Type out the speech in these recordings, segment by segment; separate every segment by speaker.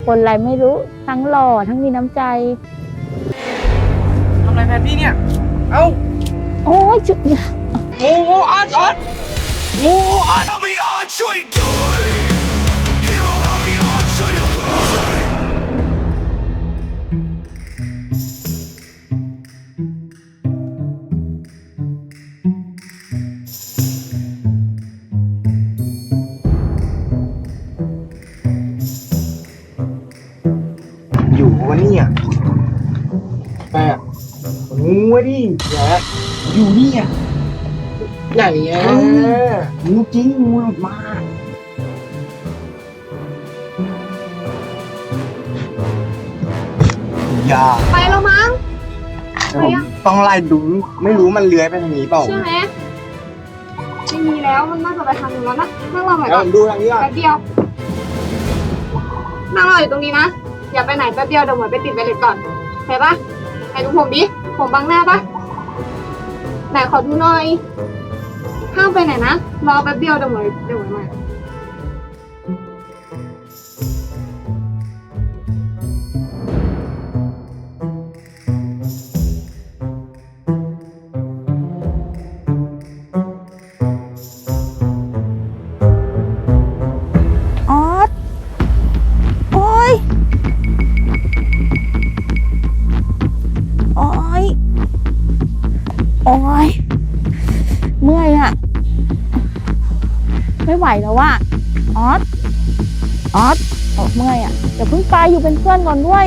Speaker 1: คนอะไรไม่รู้ทั้งหล่อทั้งมีน้ำใจ
Speaker 2: ทำอะไรแพนพี่เนี่ยเอ้า
Speaker 1: โอ้ยจุด
Speaker 2: งูออดงูออด
Speaker 3: ช่วยด้วยฮีโร่เอาไม่ออนช่วยด้วย
Speaker 2: อยู่วะเนี่ยแปะงูวะดิแย่อยู่เนี่ยไหนอ่ะงูจริงงูหลุดมาอย่า
Speaker 4: ไปแล้วมั้ง
Speaker 2: ผมต้องไล่ดูไม่รู้มันเลื้อยไปทางนี้เปล่า
Speaker 4: ใช่ไหมไม่มีแล้วมันน่าจะไปทางนู้นแล้วนะนั่งรอหน่อย
Speaker 2: แล้ว
Speaker 4: ก่อ
Speaker 2: ผ
Speaker 4: น
Speaker 2: มดูทางนี้ก่อน
Speaker 4: แป๊บเดียวนั่งรออยู่ตรงนี้นะอย่าไปไหนแป๊บเดียวเดี๋ยวหมวยไปติดไวเลสก่อนเห็นปะไหนดูผมดิผมบังหน้าปะไหนขอดูหน่อยห้ามไปไหนนะรอแป๊บเดียวเดี๋ยวหมวยมา
Speaker 1: ออสโอ้ยโอ้ยโอ้ยเมื่อยอะไม่ไหวแล้วว่ะออสเมื่อยอะเดี๋ยวเพิ่งไปอยู่เป็นเพื่อนก่อนด้วย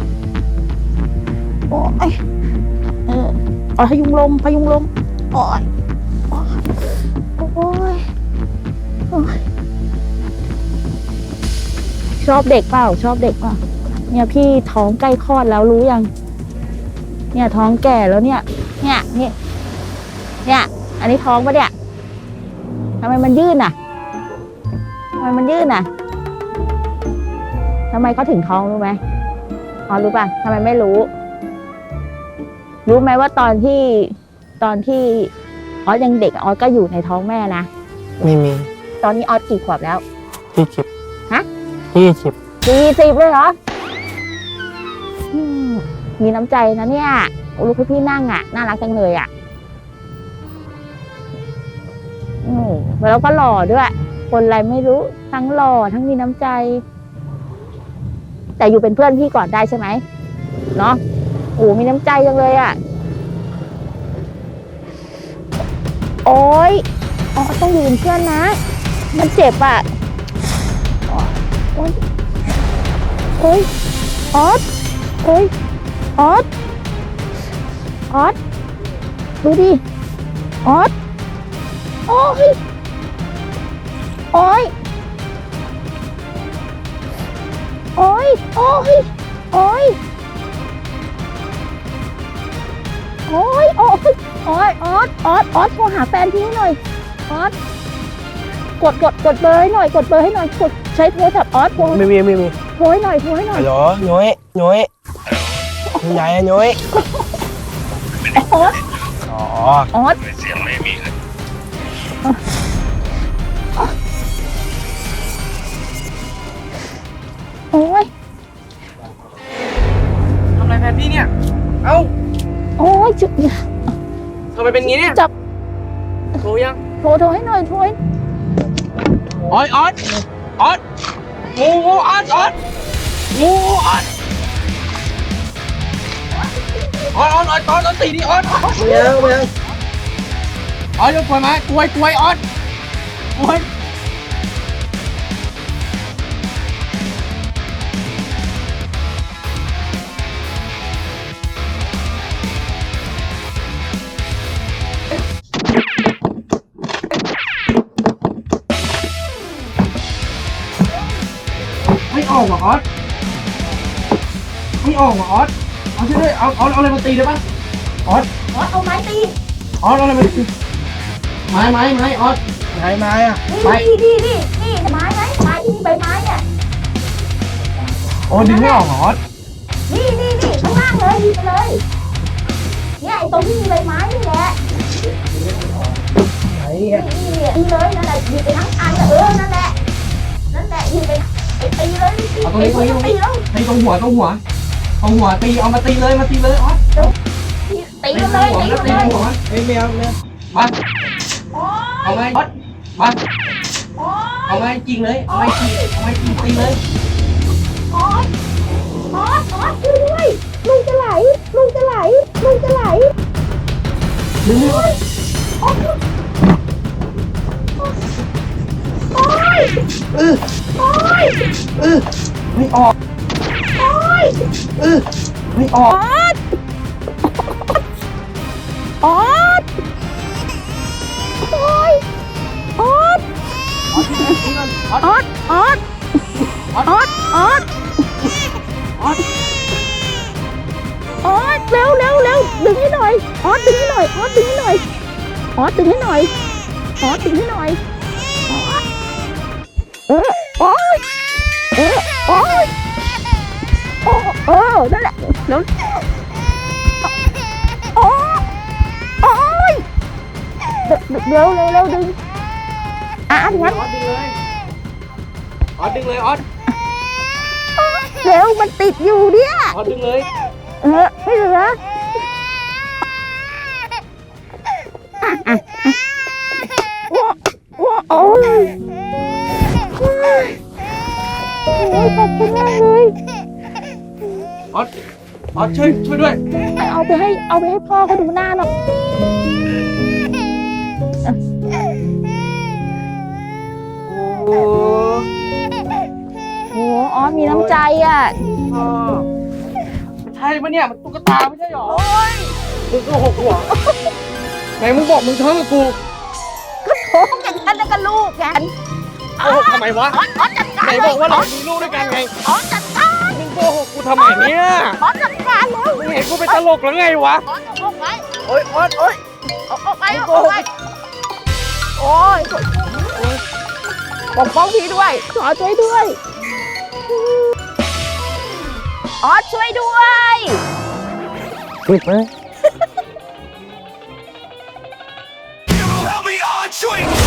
Speaker 1: โอ้ยพยุงลมโอ้ยโอ้ยชอบเด็กเปล่าเนี่ยพี่ท้องใกล้คลอดแล้วรู้ยังเนี่ยท้องแก่แล้วเนี่ยอันนี้ท้องปะเนี่ยทำไมมันยื่นอ่ะทำไมเขาถึงท้องรู้ไหมอ๋อรู้ป่ะทำไมไม่รู้ไหมว่าตอนที่ออสยังเด็กออสก็อยู่ในท้องแม่นะ
Speaker 2: ไม่มี
Speaker 1: ตอนนี้ออสกี่ขวบแล้ว
Speaker 2: 20
Speaker 1: ฮะ
Speaker 2: 20
Speaker 1: เลยเหรอมีน้ำใจนะเนี่ยลูกพี่นั่งอ่ะน่ารักจังเลยอ่ะแล้วก็หล่อด้วย คนอะไรไม่รู้ทั้งหล่อทั้งมีน้ำใจ แต่อยู่เป็นเพื่อนพี่ก่อนได้ใช่ไหมเนาะโอ้มีน้ำใจจังเลยอ่ะโอ๊ยต้องอยู่เป็นเพื่อนนะมันเจ็บอ่ะโอ๊ยออสดูดิออสโอ๊ยออสโทรหาแฟนพี่หน่อยออสกดเบอร์ให้หน่อยกดใช้โทรศัพท์ออส
Speaker 2: ไม่มี
Speaker 1: โทรให้หน่อย
Speaker 2: ฮัลโหลย้อยคุณยายย้อย
Speaker 1: ออส
Speaker 3: เสียงไม่มีเลย
Speaker 1: โอ๊ย
Speaker 2: ทำอะไรแพนพี่เนี่ยเอ้า
Speaker 1: จุด
Speaker 2: ทำไมเป็นงี้เนี่ย
Speaker 1: จับ
Speaker 2: โทรยัง
Speaker 1: โทรให้หน่อย
Speaker 2: ออดงูออดตีดิออดไม่เอาออดจะกลัวไหมกลัวออดไม่ออกเหรอออดเอาช่วยด้วยเอาอะไรมาตีได้ปะออด
Speaker 1: เอาไม้ตี
Speaker 2: เอาอะไรมาตีไม้ออดไม้อ่ะ
Speaker 1: นี่ไม้ไหมไม้ที่มีใบไม้เนี่ย
Speaker 2: ดึงไม่ออกออด
Speaker 1: นี่ข้างล่างเลยยิงไปเลยเนี่ยไอ้ตรงที่มีใบไม้นี่แหละนี่เลยนั่นแหละยิงไปทั้งอันนั่นแหละยิงไปตีเลย
Speaker 2: เอาตรงนี้ตรงนี้ตรงนี้
Speaker 1: ตีแล้ว
Speaker 2: ตีตรงหัวตีเอามาตีเลยออส
Speaker 1: ตีเลยตี
Speaker 2: หัว
Speaker 1: เล
Speaker 2: นะตี
Speaker 1: ย
Speaker 2: หัว
Speaker 5: เฮ้ยแมว
Speaker 2: มา
Speaker 1: โอ้ย
Speaker 2: เอาไงออสมา
Speaker 1: โอ้ย
Speaker 2: เอาไงจริงเลยเอาไงจริงตีเลย
Speaker 1: โอ้ยโอ้ยช่วยด้วยลุงจะไหลลุงจะไหล
Speaker 2: ดึงเลย
Speaker 1: โอ้ยโอ้ย
Speaker 2: เออ
Speaker 1: โอ้ย
Speaker 2: ไม่ออก
Speaker 1: โอ้ย
Speaker 2: ไม่ออก
Speaker 1: ออดโอ้ยออดออดออดออดออดออดออดเร็วเร็วเร็วดึงให้หน่อยออดดึงให้หน่อยออดดึงให้หน่อยออดดึงให้หน่อยออดดึงให้หน่อยออดโอ้ยโอ้ยโอ้นั่นแหละแล้วโอ้ยเร็วเร็วเร็วดึงงั้น
Speaker 2: ออสดึงเลยออสดึงเลยออส
Speaker 1: เร็วมันติดอยู่เนี่ย
Speaker 2: ออสดึงเลย
Speaker 1: ไม่เหลือโอ้ยโอ้ยขอบคุณมากเลย
Speaker 2: ออสช่วยด้วย
Speaker 1: เอาไปให้พ่อเขาดูหน้าหน่อย
Speaker 2: โอ้
Speaker 1: โอ้อ๋อมีน้ำใจอ่ะ
Speaker 2: ใช่ปะเนี่ยมันตุ๊กตาไม่ใช่หรอมึงก็หกหัวไหนมึงบอกมึงท้องกับกู
Speaker 1: โอ้กันกันแล้วก็ลูกกัน
Speaker 2: โกหกทำไมวะ
Speaker 1: อ๋อจัดการ
Speaker 2: ไหนบอกว่าเรามีลูกด้วยกันไง
Speaker 1: อ๋อจัดการ
Speaker 2: มึงโกหกกูทำไมเนี่ย
Speaker 1: อ๋อจัดการแล้ว
Speaker 2: มึงเห็นกูเป็นตลกหรือไงวะ
Speaker 1: อ๋อออกไป
Speaker 2: โอ๊ยออสโอ๊ย
Speaker 1: ออกไปออกไปโอ้ยปกป้องพี่ด้วยขอช่วยด้วยอ๋อช่วยด้วย
Speaker 2: ปิดไหม
Speaker 3: You will help me on, drink